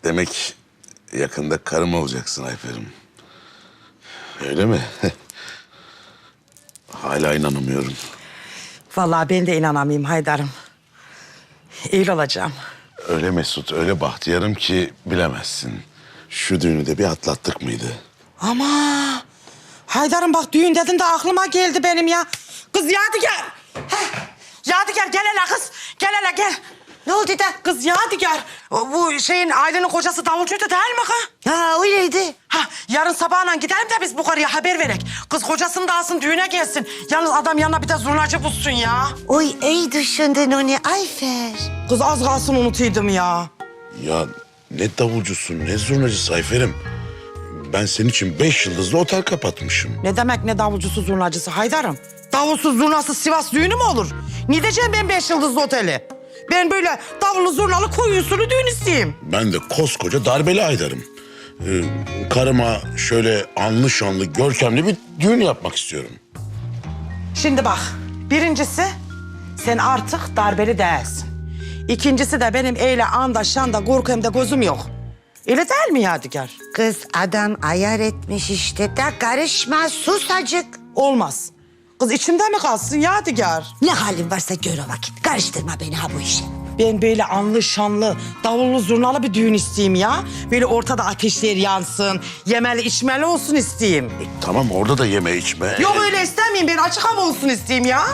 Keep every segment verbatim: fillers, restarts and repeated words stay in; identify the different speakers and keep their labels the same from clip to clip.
Speaker 1: Demek yakında karım olacaksın Ayfer'im. Öyle mi? Hala inanamıyorum.
Speaker 2: Vallahi ben de inanamayayım Haydar'ım. İyi olacağım.
Speaker 1: Öyle Mesut, öyle bahtiyarım ki bilemezsin. Şu düğünü de bir atlattık mıydı?
Speaker 2: Ama Haydar'ım bak düğün dedin de aklıma geldi benim ya. Kız Yadigar. Heh. Yadigar gel hele kız. Gel hele gel. Ne oldu da? Kız Yadigar. Bu şeyin Aylin'in kocası davulcuydu değil mi kız?
Speaker 3: Ha öyleydi.
Speaker 2: Ha, yarın sabahla gidelim de biz bu karıya haber verek. Kız kocasını da alsın düğüne gelsin. Yalnız adam yanına bir de zurnacı bulsun ya.
Speaker 3: Oy iyi düşündün onu Ayfer.
Speaker 2: Kız az kalsın unutuydum ya.
Speaker 1: Ya ne davulcusun, ne zurnacısı Ayfer'im. Ben senin için beş yıldızlı otel kapatmışım.
Speaker 2: Ne demek ne davulcusu zurnacısı Haydar'ım? Davulsuz zurnasız Sivas düğünü mü olur? Ne diyeceğim ben beş yıldızlı oteli? Ben böyle davullu zurnalı koyu usulü düğün isteyeyim.
Speaker 1: Ben de koskoca darbeli Aydar'ım. Ee, karıma şöyle anlı şanlı, görkemli bir düğün yapmak istiyorum.
Speaker 2: Şimdi bak, birincisi sen artık darbeli değilsin. İkincisi de benim eyle anda şanda korkumda gözüm yok. Öyle değil mi Yadigar?
Speaker 3: Kız adam ayar etmiş işte de karışma sus acık.
Speaker 2: Olmaz. Kız içimde mi kalsın Yadigar?
Speaker 3: Ne halin varsa gör o vakit. Karıştırma beni ha bu işe.
Speaker 2: Ben böyle anlı şanlı, davullu zurnalı bir düğün isteyeyim ya. Böyle ortada ateşler yansın, yemeli içmeli olsun isteyeyim.
Speaker 1: E, tamam orada da yeme içme.
Speaker 2: Yok öyle istemeyeyim, ben açık hava olsun isteyeyim ya.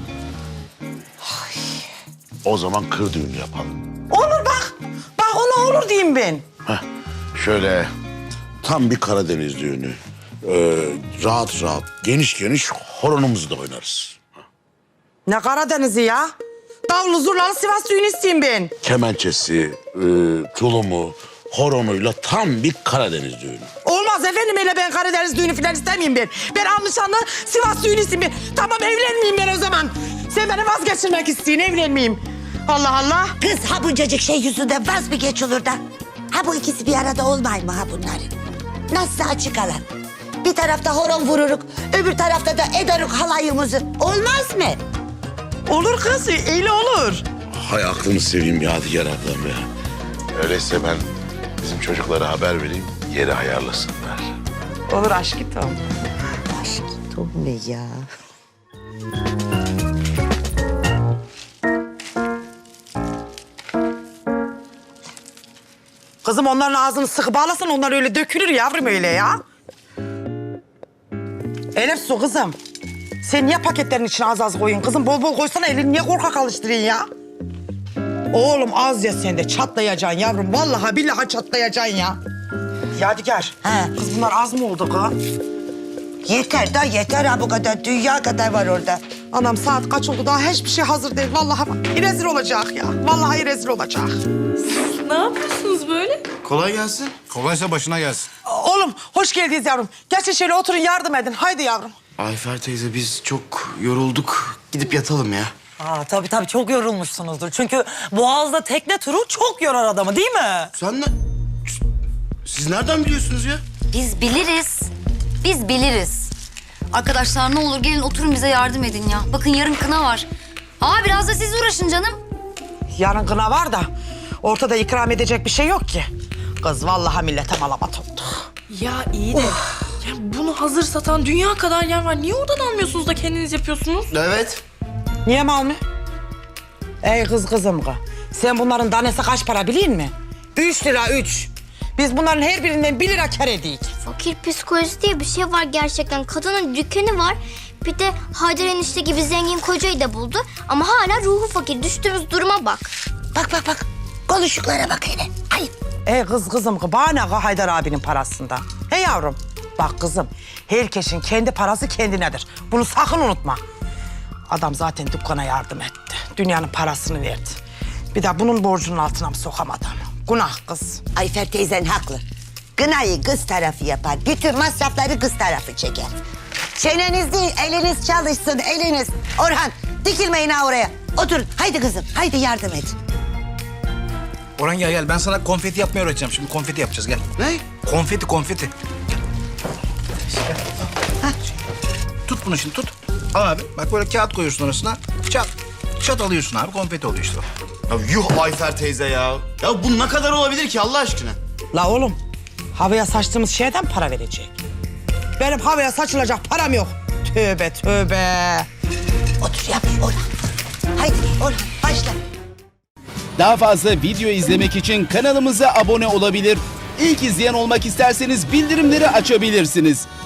Speaker 1: O zaman kır düğünü yapalım.
Speaker 2: Olur bak, bak ona olur diyeyim ben.
Speaker 1: Heh, şöyle tam bir Karadeniz düğünü. Ee, rahat rahat, geniş geniş horonumuzu da oynarız.
Speaker 2: Ne Karadeniz'i ya? Davullu zurnalı Sivas düğünü isteyeyim ben.
Speaker 1: Kemençesi, e, tulumu, horonuyla tam bir Karadeniz düğünü.
Speaker 2: Olmaz efendim öyle ben Karadeniz düğünü falan istemeyeyim ben. Ben anlaşanlı Sivas düğünü isteyeyim ben. Tamam evlenmeyeyim ben o zaman. Sen beni vazgeçirmek isteyin evlenmeyeyim. Allah Allah.
Speaker 3: Kız ha buncacık şey yüzünden vaz mı geç olur da? Ha bu ikisi bir arada olmay mı ha bunların? Nasıl açık alan? Bir tarafta horon vururuk, öbür tarafta da ederuk halayımızı. Olmaz mı?
Speaker 2: Olur kız öyle olur.
Speaker 1: Hay aklını seveyim Yadigar ablam ya. Öyleyse ben bizim çocuklara haber vereyim, yeri ayarlasınlar.
Speaker 2: Olur aşkım.
Speaker 3: Aşkım ne ya?
Speaker 2: Kızım onların ağzını sıkı bağlasan onlar öyle dökülür yavrum öyle ya. Elif su kızım. Sen niye paketlerin içine az az koyun kızım? Bol bol koysana elini niye korkak alıştırıyorsun ya? Oğlum az ya sen de çatlayacaksın yavrum. Vallahi billahi çatlayacaksın ya. Yadigar.
Speaker 3: He.
Speaker 2: Kız bunlar az mı oldu kız?
Speaker 3: Yeter da yeter ha bu kadar. Dünya kadar var orada.
Speaker 2: Anam saat kaç oldu daha hiçbir şey hazır değil. Vallahi bak, rezil olacak ya. Vallahi rezil olacak.
Speaker 4: Ne yapıyorsunuz böyle?
Speaker 5: Kolay gelsin. Kolaysa başına gelsin.
Speaker 2: Oğlum hoş geldiniz yavrum. Geçin şöyle oturun yardım edin. Haydi yavrum.
Speaker 5: Ayfer teyze biz çok yorulduk. Gidip yatalım ya.
Speaker 6: Aa, tabii tabii çok yorulmuşsunuzdur. Çünkü Boğaz'da tekne turu çok yorar adamı değil mi?
Speaker 5: Sen ne... Siz nereden biliyorsunuz ya?
Speaker 7: Biz biliriz. Biz biliriz. Arkadaşlar ne olur gelin oturun bize yardım edin ya. Bakın yarın kına var. Aa biraz da siz uğraşın canım.
Speaker 2: Yarın kına var da ortada ikram edecek bir şey yok ki. Kız vallahi millete malamat oldu.
Speaker 4: Ya iyi de ya bunu hazır satan dünya kadar yer var. Niye oradan almıyorsunuz da kendiniz yapıyorsunuz?
Speaker 5: Evet.
Speaker 2: Niye mal mı? Ey kız kızım kız. Sen bunların tanesi kaç para biliyor musun? Üç lira üç. Biz bunların her birinden bir lira kar ediyik.
Speaker 8: Fakir psikolojisi diye bir şey var gerçekten. Kadının dükkanı var. Bir de Haydar enişte gibi zengin kocayı da buldu. Ama hala ruhu fakir. Düştüğümüz duruma bak.
Speaker 3: Bak bak bak. Konuşuklara bak hele. Ayıp.
Speaker 2: Ey kız kızım kız bana ne kız Haydar abinin parasından. He yavrum. Bak kızım herkesin kendi parası kendinedir. Bunu sakın unutma. Adam zaten dükkana yardım etti. Dünyanın parasını verdi. Bir de bunun borcunun altına mı sokamadı ama? Günah kız.
Speaker 3: Ayfer teyzen haklı. Gınayı kız tarafı yapar. Bütün masrafları kız tarafı çeker. Çeneniz değil, eliniz çalışsın, eliniz. Orhan, dikilmeyin ha oraya. Oturun, haydi kızım, haydi yardım et.
Speaker 9: Orhan gel gel ben sana konfeti yapmayı öğreteceğim. Şimdi konfeti yapacağız gel.
Speaker 5: Ne?
Speaker 9: Konfeti konfeti. Gel. Tut bunu şimdi tut. Al abi bak böyle kağıt koyuyorsun orasına. Çat Çat alıyorsun abi konfeti oluyor işte.
Speaker 5: Ya yuh Ayfer teyze ya. Ya bu ne kadar olabilir ki Allah aşkına?
Speaker 2: La oğlum, havaya saçtığımız şeyden para verecek. Benim havaya saçılacak param yok. Tövbe tövbe.
Speaker 3: Otur yap Orhan. Haydi Orhan başla.
Speaker 10: Daha fazla video izlemek için kanalımıza abone olabilir. İlk izleyen olmak isterseniz bildirimleri açabilirsiniz.